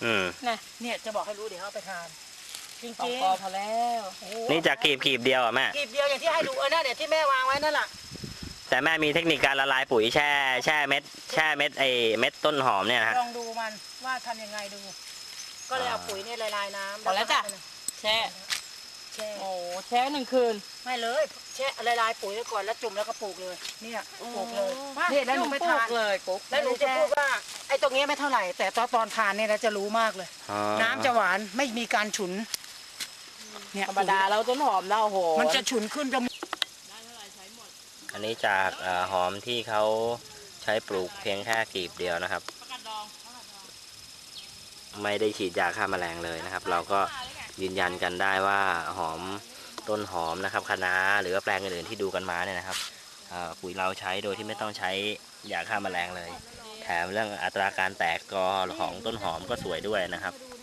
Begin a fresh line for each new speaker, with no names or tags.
เนี่ยจะบอกให้รู้เดี๋ยวเอาไปทานจริง
สอง
ๆ
กอพอแล้ว
นี่จากกีบเดียวอ่ะแม่
กีบเดียวอย่างที่ให้ดูนั่นเนี่ยที่แม่วางไว้นั่นแหละ
แต่แม่มีเทคนิคการละลายปุ๋ยแช่เม็ดเม็ดต้นหอมเนี่ยนะฮะ
ลองดูมันว่าทำยังไงดู ก็เลยเอาปุ๋ยเนี่ยละลายน้ำ
พอแล้วจ้ะแช่
แช่
โอ้แช่1 คืน
ไม่เลยแช่ละลายปุ๋ยไว้ก่อนแล้วจุ่มแล้วก็ปลูกเลยเนี่ยปลูกเลยเนี่ยแล้วหนูไม่ทาน
เลยกุ๊ก
แล้วหนูจะพูดว่าไอ้ตรงนี้ไม่เท่าไหร่แต่ตอนทานเนี่ยนะจะรู้มากเลย
อ๋อ
น้ำจะหวานไม่มีการฉุนเนี่ย
ธรรมดาแล้วต้นหอมเราโอ้โห
มันจะฉุนขึ้นจะ
อันนี้จากหอมที่เขาใช้ปลูกเพียงแค่กีบเดียวนะครับ ไม่ได้ฉีดยาฆ่าแมลงเลยนะครับ เราก็ยืนยันกันได้ว่าหอมต้นหอมนะครับคะน้าหรือว่าแปลงอื่นๆที่ดูกันมาเนี่ยนะครับปุ๋ยเราใช้โดยที่ไม่ต้องใช้ยาฆ่าแมลงเลย แถมเรื่องอัตราการแตกกอของต้นหอมก็สวยด้วยนะครับ
ดู